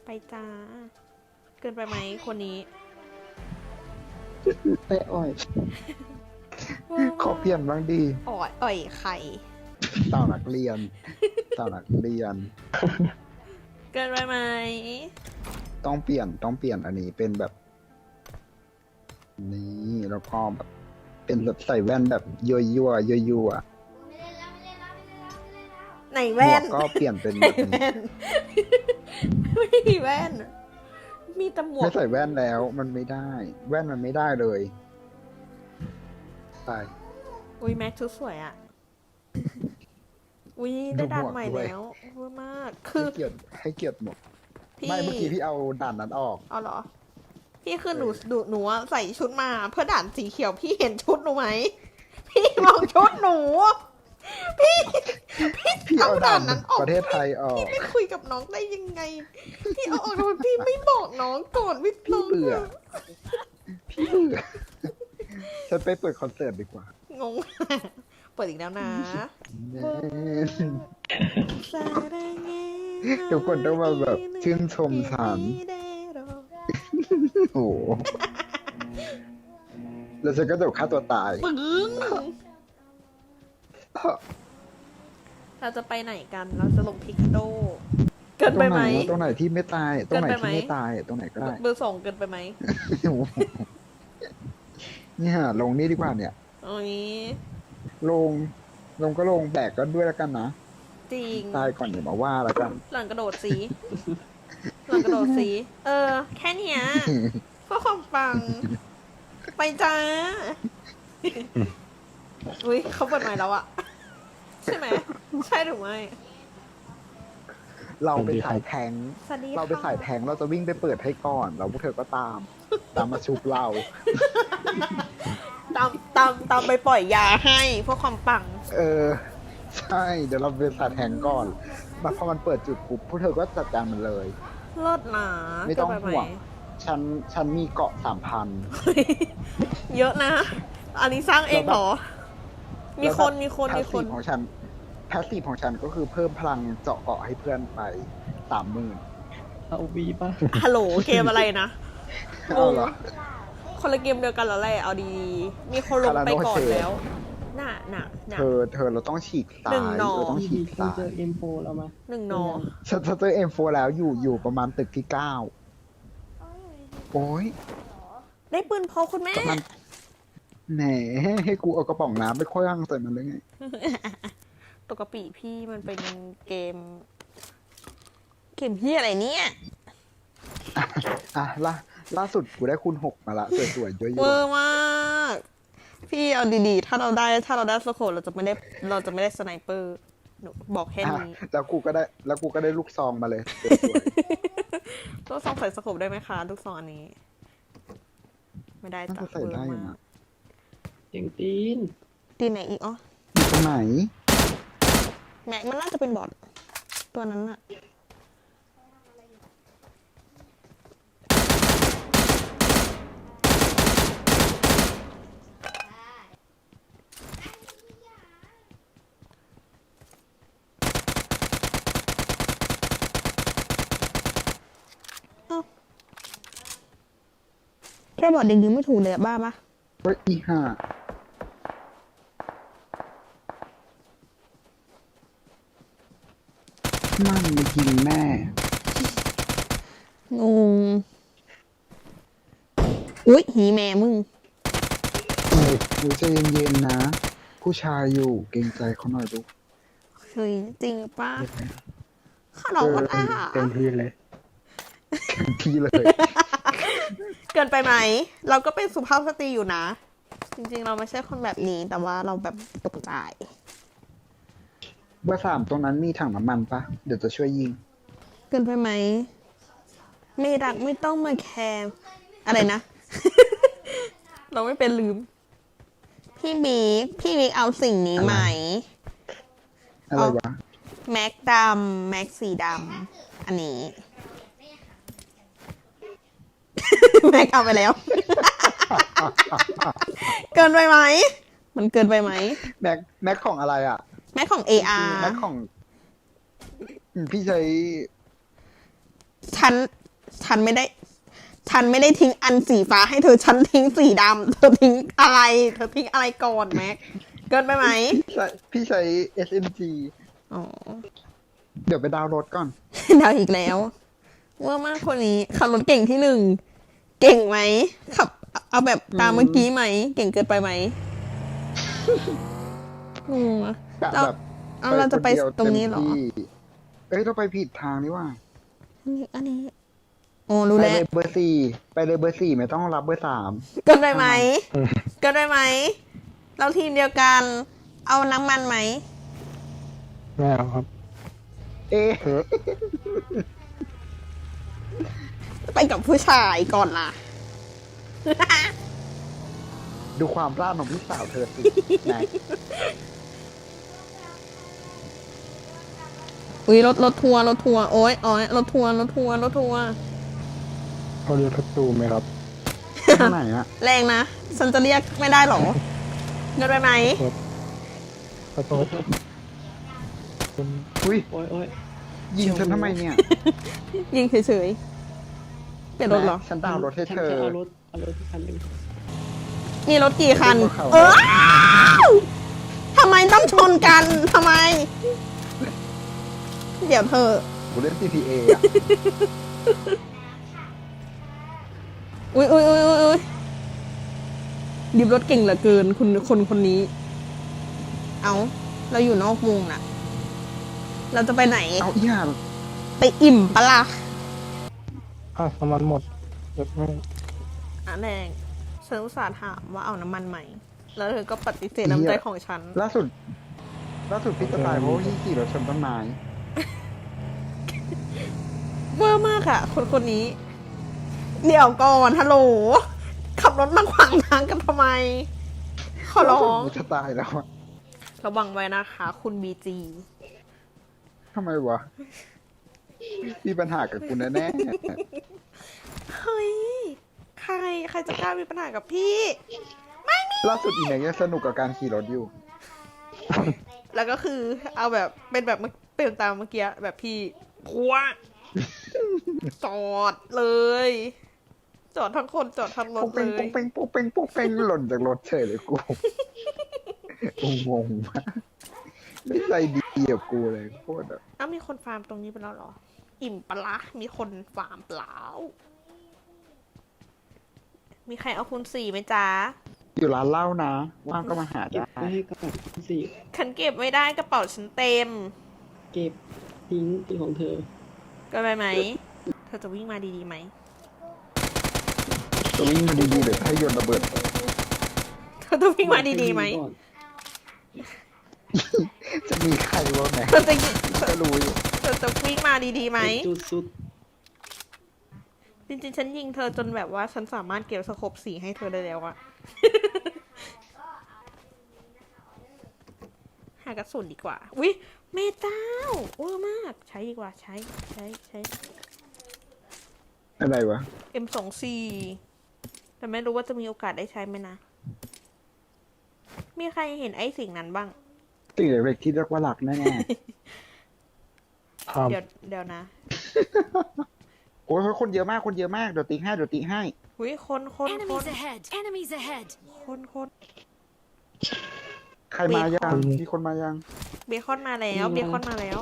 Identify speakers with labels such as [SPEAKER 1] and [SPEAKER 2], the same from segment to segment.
[SPEAKER 1] ไปจ้าเกินไปไหมคนนี้
[SPEAKER 2] ไปอ่อยขอเปลี่ยนบ้างดี
[SPEAKER 1] อ่อยไข่
[SPEAKER 2] เต่านักเรียนเต่านักเรียน
[SPEAKER 1] เกินไปไหม
[SPEAKER 2] ต้องเปลี่ยนอันนี้เป็นแบบนี้แล้วก็แบบเป็นแบบใส่แว่นแบบยั่ว
[SPEAKER 1] ไหนแว่น
[SPEAKER 2] ก็เปลี่ยนเป็น
[SPEAKER 1] แบบนี้ไม่มีแว่นมีแต่หมวก
[SPEAKER 2] ไม่ใส่แว่นแล้วมันไม่ได้แว่นมันไม่ได้เลยไป
[SPEAKER 1] อุ้ยแม็กชุดสวยอ่ะอุ้ยได้ด่านใหม่แล้วเวอร์มากคือ
[SPEAKER 2] ให้เกียรติหมดไม่เมื่อกี้พี่เอาด่านนั้นออก
[SPEAKER 1] เอาเหรอพี่คือหนูใส่ชุดมาเพื่อด่านสีเขียวพี่เห็นชุดหนูไหมพี่มองชุดหนูพี่เอาด่านนั้นออก
[SPEAKER 2] ประเทศไทยออก
[SPEAKER 1] พี่ไม่คุยกับน้องได้ยังไงพี่เอาออกทำไมพี่ไม่บอกน้องก่อนวิทย์น้อง
[SPEAKER 2] พี่เบื่อฉันไปเปิดคอนเสิร์ตดีกว่าง
[SPEAKER 1] งเปิดอีกแล้วนะ
[SPEAKER 2] ทุกคนต้องมาแบบชื่นชมฉันโอ้แล้วฉันก็จะฆ่าตัวตาย
[SPEAKER 1] ปึ้งเราจะไปไหนกันเราจะลงพิกโดเกินไปไหม
[SPEAKER 2] ตรงไหนที่ไม่ตายตรงไหนที่ไม่ตายตรงไหนก็ได้
[SPEAKER 1] เบอร์2เกินไปไหม
[SPEAKER 2] เนี่ยลงนี่ดีกว่าเนี่ย
[SPEAKER 1] โอ้ย
[SPEAKER 2] ลงก็ลงแบกก็ด้วยแล้วกันนะ
[SPEAKER 1] จริง
[SPEAKER 2] ตายก่อนอย่ามาว่าแล้วกัน
[SPEAKER 1] หลังกระโดดสีแค่เนี้ยเพื่อความปังไปจ้าอุ้ยเขาเปิดใหม่แล้วอะใช่ไหมใช่หรือไม่
[SPEAKER 2] เราไปสายแทงเราไปสายแทงเราจะวิ่งไปเปิดให้ก่อนแล้วพวกเธอก็ตามมาชุบเรา
[SPEAKER 1] ตามไปปล่อยยาให้เพื่อความปัง
[SPEAKER 2] ใช่เดี๋ยวเราไปสายแทงก่อนมาพอมันเปิดจุดปุ๊บพวกเธอก็จัดการมันเลย
[SPEAKER 1] เลิศหนา
[SPEAKER 2] ไม่ต้องห่วงฉันมีเกาะ
[SPEAKER 1] 3,000 เยอะนะอันนี้สร้างเองเหรอมีคน
[SPEAKER 2] ของฉันแพสซีฟของฉันก็คือเพิ่มพลังเจาะเกาะให้เพื่อนไป 30,000
[SPEAKER 3] เอาวีป่ะ
[SPEAKER 1] ฮัลโหลเกมอะไรนะ
[SPEAKER 2] เอาเหรอ
[SPEAKER 1] คนละเกมเดียวกันแล้วแหละเอาดีมีคนลงไปก่อนแล้วน่ะ
[SPEAKER 2] เธอเราต้องฉีกซ้ายเราต้องฉีกซ้าย
[SPEAKER 3] เจอ M4 แล้วมั้ย
[SPEAKER 1] 1 นอ
[SPEAKER 2] ฉันเจอ M4 แล้วอยู่ประมาณตึกที่ 9โอ้ย
[SPEAKER 1] ได้ปืนพกคุณแม่
[SPEAKER 2] แหนให้กูเอากระป๋องน้ำไปคว้างใส่มันเลยไง
[SPEAKER 1] ตกกระปีพี่มันเป็นเกมพี่อะไรเนี่ย
[SPEAKER 2] ล่าสุดกูได้คูณ 6มาละสวยๆเยอะๆ
[SPEAKER 1] เวอร์มากพี่เอาดีๆถ้าเราได้สโคปเราจะไม่ได้สไนเปอร์หนูบอกแค่นี้
[SPEAKER 2] แล้วกูก็ได้ลูกซองมาเลย
[SPEAKER 1] ลูกซองใส่สโคปได้ไหมคะลูกซองอันนี้ไม่ได้จ้ะ
[SPEAKER 2] ใส่ได้อยู่นะ
[SPEAKER 3] เสียงตีน
[SPEAKER 1] ไหนอีกอ๋อ
[SPEAKER 2] ตรงไหน
[SPEAKER 1] แม็กมันน่าจะเป็นบอทตัวนั้นอะแค่บอทยิงไม่ถูกเลยอะบ้าปะ
[SPEAKER 2] เฮ้ยอีห่ามันมายิงแม่
[SPEAKER 1] งงอุ๊ยหีแม่มึง
[SPEAKER 2] หนูใจเย็นๆนะผู้ชายอยู่เกรงใจเขาหน่อยลูก
[SPEAKER 1] เฮ้ยจริงป่ะขนมมัน
[SPEAKER 3] เต็มที่เลย
[SPEAKER 1] เกินไปไหมเราก็เป็นสุภาพสตรีอยู่นะจริงๆเราไม่ใช่คนแบบนี้แต่ว่าเราแบบตกใจ
[SPEAKER 2] เบอร์ 3ตรงนั้นมีถังน้ำมันปะเดี๋ยวจะช่วยยิง
[SPEAKER 1] เกินไปไหมไม่รักไม่ต้องมาแคร์อะไรนะ เราไม่เป็นลืมพี่บิ๊กเอาสิ่งนี้ไหม
[SPEAKER 2] อะไรวะ
[SPEAKER 1] แม็กดำแม็กสีดำอันนี้แม็กเอาไปแล้ว เกินไปไหมมันเกินไปไหม
[SPEAKER 2] แม็กของอะไรอ่ะ
[SPEAKER 1] แม็กของ AR
[SPEAKER 2] แม็กของพี่ใช้
[SPEAKER 1] ฉัน ฉันไม่ได้ ฉันไม่ได้ทิ้งอันสีฟ้าให้เธอ ฉันทิ้งสีดำ เธอทิ้งอะไร เธอทิ้งอะไรก่อนแม็ก เกินไปไหม
[SPEAKER 2] พี่ใช้ SMG
[SPEAKER 1] อ๋อ
[SPEAKER 2] เดี๋ยวไปดาวน์โหลดก่อน
[SPEAKER 1] เดาอีกแล้วว่ามากคนนี้ขับรถเก่งที่หนึ่ง เก่งไหมขับ เอาแบบตามเมื่อกี้ไหม เก่งเกินไปไหมงงอะ
[SPEAKER 2] กะ
[SPEAKER 1] เรา
[SPEAKER 2] แบบ
[SPEAKER 1] เอาเราจะไป
[SPEAKER 2] คนดียว
[SPEAKER 1] ตรงนี้เหรอ
[SPEAKER 2] ต็มที่เอ้ยเราไปผิดทางนี่ว่า
[SPEAKER 1] อันนี้โอ้รู้
[SPEAKER 2] ไป
[SPEAKER 1] แล้ว
[SPEAKER 2] เลยเบอร์สี่ไปเลยเบอร์สี่ไม่ต้องรับเบอร์สาม
[SPEAKER 1] เกินได้ไหม เกินได้ไหม เราทีมเดียวกัน เอาน้ำมันไหม
[SPEAKER 3] ไม่เอาครับ
[SPEAKER 2] เอ๊ะ
[SPEAKER 1] ไปกับผู้ชายก่อนล่ะ
[SPEAKER 2] ดูความพลาดของพี่สาวเธอสิไหน
[SPEAKER 1] อุ้ยรถทัวร์โอ้ยรถทัวร์
[SPEAKER 3] เขาเรียกทัตตูไหมครับ
[SPEAKER 2] ข้างไหนอะ
[SPEAKER 1] แรงนะ ฉันจะเรียกไม่ได้หรอ เกินไปไหม
[SPEAKER 3] ขอโทษคุณ
[SPEAKER 2] อุ้ย
[SPEAKER 3] โอ้ยโอ้ย
[SPEAKER 2] ยิงฉันทำไมเนี่ย
[SPEAKER 1] ยิงเฉยๆเปลี่ยนรถเหรอ
[SPEAKER 2] ฉันดาวน์รถให้
[SPEAKER 3] ฉัน
[SPEAKER 2] เธอ
[SPEAKER 3] จะเอารถที่คันหนึ่ง
[SPEAKER 1] มีรถกี่คัน
[SPEAKER 2] รถเขา
[SPEAKER 1] เออทำไมต้องชนกัน ทำไม เดี๋ยวเธอ
[SPEAKER 2] กูเล่น CPA อะ
[SPEAKER 1] อุ้ยดิบรถเก่งเหลือเกิน คนนี้ เอาเราอยู่นอกวงน่ะ เราจะไปไหน
[SPEAKER 2] เอาอีห่า
[SPEAKER 1] ไปอิ่มปะล่ะ
[SPEAKER 3] น้ำมันหมดรถไม่
[SPEAKER 1] อ่ะแดงฉันอุตส่าห์ถามว่าเอาน้ำมันไหม แล้วเธอก็ปฏิเสธน้ำใจของฉัน
[SPEAKER 2] ล่าสุดพี่จะตายเพราะว่าพี่ขี่รถชนต้นไม้
[SPEAKER 1] เวอร์มากอะคนนี้ เดี๋ยวก่อนฮัลโหล ขับรถมาขวางทางกันทำไม ขอร้อง
[SPEAKER 2] พี่จะตายแล้วอะ
[SPEAKER 1] ระวังไว้นะคะ คุณบีจี
[SPEAKER 2] ทำไมวะมีปัญหากับกูแน่
[SPEAKER 1] เฮ้ย ใครจะกล้ามีปัญหากับพี่
[SPEAKER 2] ๆล่าสุดอีเนี่ยยังสนุกกับการขี่รถอยู่
[SPEAKER 1] แล้วก็คือเอาแบบเป็นแบบเป็นตามเมื่อกี้แบบพี่พัวจอดเลย จอดทั้งคนจอดทั้งรถ
[SPEAKER 2] ปุ๊ก
[SPEAKER 1] เล
[SPEAKER 2] เป้ง
[SPEAKER 1] ย
[SPEAKER 2] ปุ๊กเป้งปุ๊กเป้งปุ๊กเป้งหล่นจากรถเฉยเลยกูกูงงมากไม่ใจดีกับกูเลยโคตรอะ
[SPEAKER 1] อ้าวมีคนฟาร์มตรงนี้ไปแล้วเหรอ อิ่มปะละมีคนฟาร์มเปล่า มีใครเอาคูณ4ไหมจ๊ะ
[SPEAKER 2] อยู่ร้านเหล้านะว่างก็มาหา
[SPEAKER 3] เก็บ
[SPEAKER 2] ได้
[SPEAKER 3] ไว้ให้กระเป๋าสี่
[SPEAKER 1] ฉันเก็บไม่ได้กระเป๋าฉันเต็ม
[SPEAKER 3] เก็บทิ้งเป็นของเธอ
[SPEAKER 1] ก็ไปไหม เธอจะวิ่งมาดีๆไหม
[SPEAKER 2] จะวิ่งมาดีๆเลยให้โยนระเบิด
[SPEAKER 1] เธอจะวิ่งมาดีๆไหม
[SPEAKER 3] ก่อน
[SPEAKER 2] จะมีใครวะแหม
[SPEAKER 1] เธอจะ
[SPEAKER 2] ก็รู้อยู่
[SPEAKER 1] เธอจะวิ่งมาดีๆไหม
[SPEAKER 3] จุดสุด
[SPEAKER 1] จริงๆ ฉันยิงเธอจนแบบว่าฉันสามารถเก็บสโคปสีให้เธอได้แล้วอะ หากระสุนดีกว่า อุ๊ยเมเจ้าเวอร์มาก ใช้ดีกว่า ใช้
[SPEAKER 2] อะไรวะ
[SPEAKER 1] M24 แต่ไม่รู้ว่าจะมีโอกาสได้ใช้ไหมนะ มีใครเห็นไอ้สิ่งนั้นบ้าง
[SPEAKER 2] สิ่งเล็กๆที่เรียกว่าหลักแน่
[SPEAKER 3] ทำ
[SPEAKER 1] เดี๋ยวนะ
[SPEAKER 2] ๆโอ้ยคนเยอะมากคนเยอะมากเดี๋ยวติ๊กให้
[SPEAKER 1] อุ๊ยคน
[SPEAKER 4] Enemies ahead! Enemies ahead!
[SPEAKER 1] คน
[SPEAKER 2] ใครมายังมีคนมายัง
[SPEAKER 1] เบคอนมาแล้ว เบคอนมาแล้ว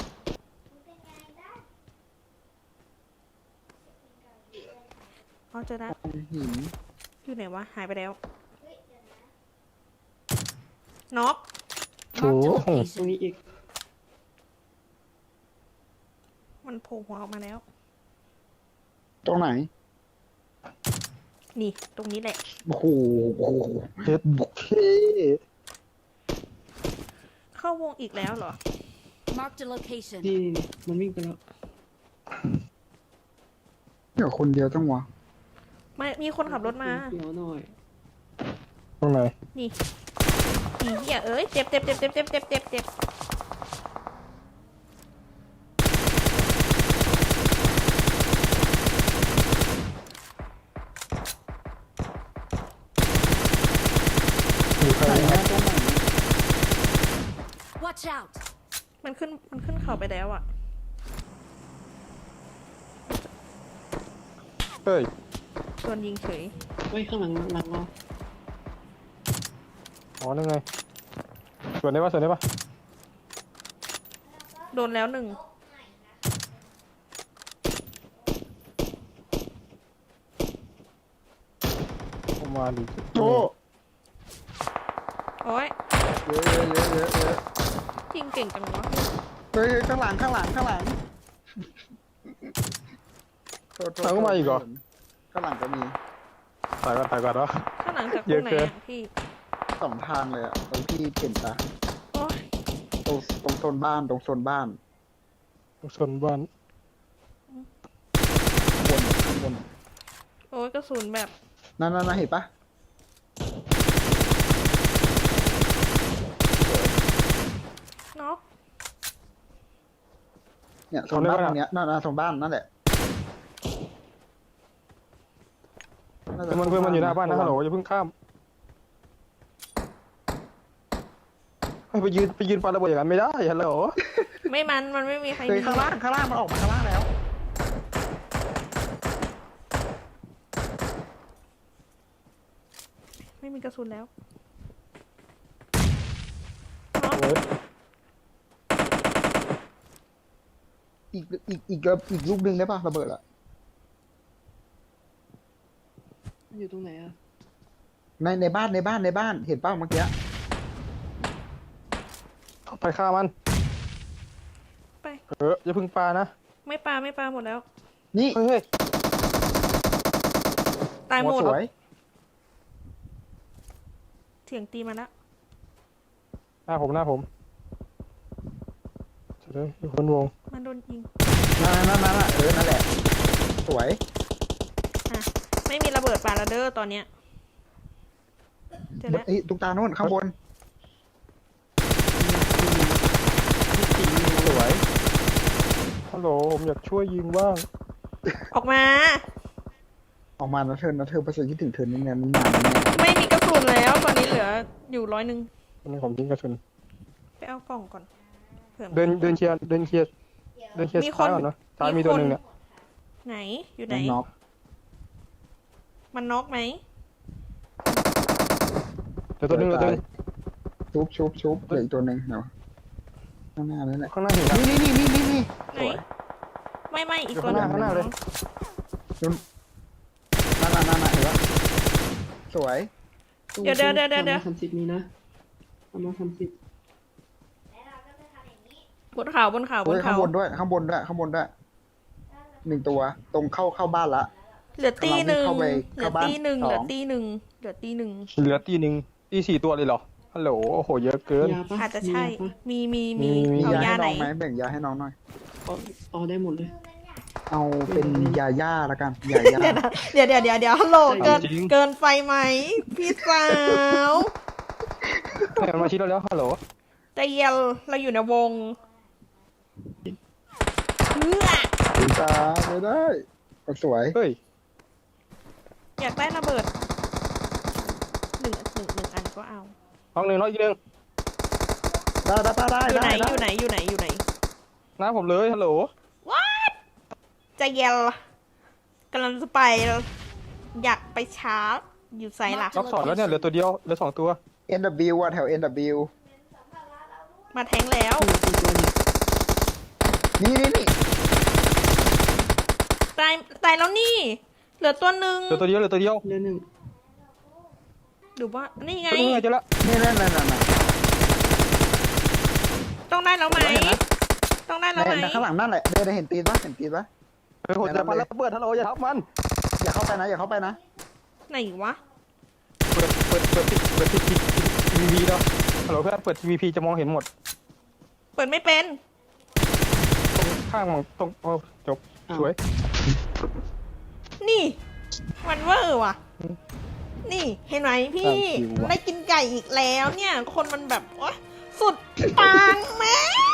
[SPEAKER 1] เอาเจอนะ
[SPEAKER 2] หิน
[SPEAKER 1] อยู่ไหนวะ หายไปแล้ว น็อก
[SPEAKER 3] โอ้
[SPEAKER 4] Marked a
[SPEAKER 3] โหตรง
[SPEAKER 4] location.
[SPEAKER 3] นี้อีก
[SPEAKER 1] มันโผล่หัวออกมาแล้ว
[SPEAKER 2] ตรงไหน
[SPEAKER 1] นี่ ตรงนี้แหละ
[SPEAKER 2] โอ้โห
[SPEAKER 3] เฮ็ด
[SPEAKER 2] เท่
[SPEAKER 1] เข้าวงอีกแล้วเหรอ
[SPEAKER 4] Marked a location.
[SPEAKER 3] ที่มันวิ่งไปแล้ว
[SPEAKER 2] เดี๋ยวคนเดียวจังวะ
[SPEAKER 1] ไม่ มีคนขับรถมา
[SPEAKER 3] เดี๋ยวหน่อย
[SPEAKER 1] นี่นี่เหี้ยเอ้ย เจ็บ
[SPEAKER 3] มีใคร
[SPEAKER 2] ไหน
[SPEAKER 3] ครั
[SPEAKER 2] นะ
[SPEAKER 3] บ
[SPEAKER 2] ตรงไหน
[SPEAKER 4] Watch out!
[SPEAKER 1] มันขึ้นเขาไปแล้วอะ
[SPEAKER 5] เฮ้ย
[SPEAKER 1] โดนยิงเฉย
[SPEAKER 3] เฮ้ยข้างหลังเรา
[SPEAKER 5] อ๋อนั่นไงส่วนได้ปะส่วนได้ปะ
[SPEAKER 1] โดนแล้วหนึ่ง
[SPEAKER 5] เข้ามาดิ
[SPEAKER 2] โจ
[SPEAKER 1] โอ้ย
[SPEAKER 2] เยอะเยอะเยอะเยอะเยอะ
[SPEAKER 1] ยิงเก่งจังวะ
[SPEAKER 2] เฮ้ยข้างหลังข้างหลังข้างหลังโทษโทษ
[SPEAKER 5] ทางก็มาอีกเหรอ
[SPEAKER 2] ข้างหลังก็มี
[SPEAKER 5] ถ่ายก่อนถ่ายก่อนวะ
[SPEAKER 1] ข้างหลังจากต
[SPEAKER 5] เย
[SPEAKER 1] ร
[SPEAKER 5] อะ
[SPEAKER 1] งไหน
[SPEAKER 5] เกิน
[SPEAKER 1] อะพี่
[SPEAKER 2] สองทางเลยอ่ะตรงที่เปลี่ยนตา
[SPEAKER 1] โอ้ย
[SPEAKER 2] ตรงโซนบ้านตรงโซนบ้าน
[SPEAKER 5] ชนบ้าน
[SPEAKER 2] ข้างบน
[SPEAKER 1] โอ้ยกระสุนแบบ
[SPEAKER 2] นั่นเห็นปะ
[SPEAKER 1] เนาะ
[SPEAKER 2] เนี่ยโซนบ้านตรงเนี้ยนั่นโซนบ้านนั่นแหละาจะ
[SPEAKER 5] เพื่อนมันอยู่หน้าบ้านนะฮัลโหลอย่าเพิ่งข้ามเฮ้ยไปยืนปาระเบิดอย่างนั้นไม่ได้ฮัลโหล
[SPEAKER 1] ไม่มันไม่มีใคร
[SPEAKER 2] เฮ้ย
[SPEAKER 1] มี
[SPEAKER 2] ข้างล่างมันออกมาข้างล่างแล้ว
[SPEAKER 1] ไม่มีกระสุนแล้ว
[SPEAKER 5] เฮ้ย
[SPEAKER 2] อีกลูกหนึงได้ปะระเบิดอะ
[SPEAKER 3] อยู่ตรงไหนอะ
[SPEAKER 2] ในบ้านเห็นป่ะเมื่อกี้
[SPEAKER 5] ไปฆ่ามัน
[SPEAKER 1] ไป
[SPEAKER 5] อย่าเพิ่งปานะ
[SPEAKER 1] ไม่ปลาหมดแล้ว
[SPEAKER 2] นี่
[SPEAKER 5] เฮ้ย
[SPEAKER 1] ตายหมด
[SPEAKER 2] สวย
[SPEAKER 1] เถียงตีมาแล้ว
[SPEAKER 5] หน้าผมเฉยอยู่คนวง
[SPEAKER 1] มันโดนยิง
[SPEAKER 2] นั่นนั่นแหละ สวย
[SPEAKER 1] อ่ะ ไม่มีระเบิดปาระเดอร์ตอนเนี้ยเจอแล้ว
[SPEAKER 2] ตุ๊กตาโน่นข้างบน สวย
[SPEAKER 5] ฮัลโหลผมอยากช่วยยิงบ้าง
[SPEAKER 1] ออกมา
[SPEAKER 2] ออกมานะเธอประเสริฐคิดถึงเธอนี่ไงมันหนาแน่
[SPEAKER 1] ไม่มีกระสุนแล้ว ตอนนี้เหลืออยู่100
[SPEAKER 5] ตอนนี้ผมยิงกระสุน
[SPEAKER 1] ไปเอากล่องก่อนเผื่อ
[SPEAKER 5] เดินเคลียร์
[SPEAKER 1] มีค
[SPEAKER 5] ซ้าน ยก่อนเนาะซ้ายมีตัวหนึ่งเนี่ย
[SPEAKER 1] ไหนอยู่ไหน
[SPEAKER 2] น็อก
[SPEAKER 1] มันน็อกไหม
[SPEAKER 5] เดี๋ยวตัวหนึ่ง
[SPEAKER 2] ชุบเหลืออีกตัวหนึ่งเนาะข้างหน้านั่นแหละ
[SPEAKER 5] ข้างหน้าเห็นนะ
[SPEAKER 2] นี่
[SPEAKER 1] ไหน
[SPEAKER 2] สวย
[SPEAKER 1] ไม่อีก
[SPEAKER 5] อยู่
[SPEAKER 1] ตัวหนึง
[SPEAKER 5] ข้างหน้าเลย
[SPEAKER 2] นั่นเห็นปะสวย
[SPEAKER 1] เดี๋ยว
[SPEAKER 3] 30มีนะประมาณ30
[SPEAKER 1] บนเขาบนเขา
[SPEAKER 2] เฮ้ยข้างบนด้วยหนึ่งตัวตรงเข้าบ้านละ
[SPEAKER 1] เหลือตีหนึ่ง
[SPEAKER 2] เข้าไป
[SPEAKER 1] เหลื
[SPEAKER 2] เข้า
[SPEAKER 1] อ
[SPEAKER 2] บ้าน
[SPEAKER 1] ตีหนึ่ง
[SPEAKER 2] สอง
[SPEAKER 1] เหลือตีหนึ่งเหลือตีหนึ่ง
[SPEAKER 5] เหลือตีหนึ่งตี4 ตัวเลยเหรอฮัลโหลโอ้โหเยอะเกิน
[SPEAKER 3] ยาปะ
[SPEAKER 1] อาจจะใช่
[SPEAKER 3] ยาปะ
[SPEAKER 1] มี
[SPEAKER 5] มี
[SPEAKER 2] มี
[SPEAKER 1] เอา
[SPEAKER 2] ยาย
[SPEAKER 1] า
[SPEAKER 2] ให้
[SPEAKER 1] ไหน
[SPEAKER 2] น้องไหมแบ่งยาให้น้องหน่อย
[SPEAKER 3] เอาได้หมดเลย
[SPEAKER 2] เอาเป็นยาย่าละกันยาย่า
[SPEAKER 1] เดี๋ยวฮัลโหลเกิน
[SPEAKER 5] จริง
[SPEAKER 1] เกินไฟไหมพี่สาว
[SPEAKER 5] ให้มันมาชี้เราแล้วฮัลโหล
[SPEAKER 1] ใจเย็นเราอยู่ในวงเพื่อ
[SPEAKER 2] ตาไม่ได้สวย
[SPEAKER 5] เฮ้ย
[SPEAKER 1] อยากได้ระเบิดหนึ่งอันก็เอา
[SPEAKER 5] น้องอีกหนึ่ง
[SPEAKER 2] ได้
[SPEAKER 1] อยู่ไหน
[SPEAKER 5] น้าผมเลยฮัลโหล
[SPEAKER 1] ใจเย็นกำลังจะไปอยากไปชาร์จอยู่ไซหลัก
[SPEAKER 5] ล็อก2แล้วเนี่ยเหลือตัวเดียวเหลือ2 ตัว
[SPEAKER 2] NW อ่ะแถว NW
[SPEAKER 1] มาแทงแล้ว
[SPEAKER 2] นี่
[SPEAKER 1] ตายแล้วนี่ เหลือตัวหนึ่ง
[SPEAKER 5] เหลือตัวเดียว
[SPEAKER 3] เรื่องหนึ่ง
[SPEAKER 1] หรือว่านี่ไง
[SPEAKER 5] ตัวนึงเจอแล้ว
[SPEAKER 2] นี่นั่น
[SPEAKER 1] ต้องได้แล้วไหม ต้องได้แล้วไหม
[SPEAKER 2] ข้างหลังนั่นแหละได้เห็นตีนปะ
[SPEAKER 5] เฮ้ยโหจะปาระเบิดฮัลโหลอย่าทับมัน
[SPEAKER 2] อย่าเข้าไปนะ
[SPEAKER 1] ไหนวะ
[SPEAKER 5] เปิดทีวีเนาะฮัลโหลเพื่อนเปิดทีวีจะมองเห็นหมด
[SPEAKER 1] เปิดไม่เป็น
[SPEAKER 5] ตรงข้างตรงโอ้จบสวย
[SPEAKER 1] นี่มันเวอร์ว่ะ นี่เห็นไหมพี่ ได้กินไก่อีกแล้วเนี่ย คนมันแบบโอ๊ยสุดปังแม่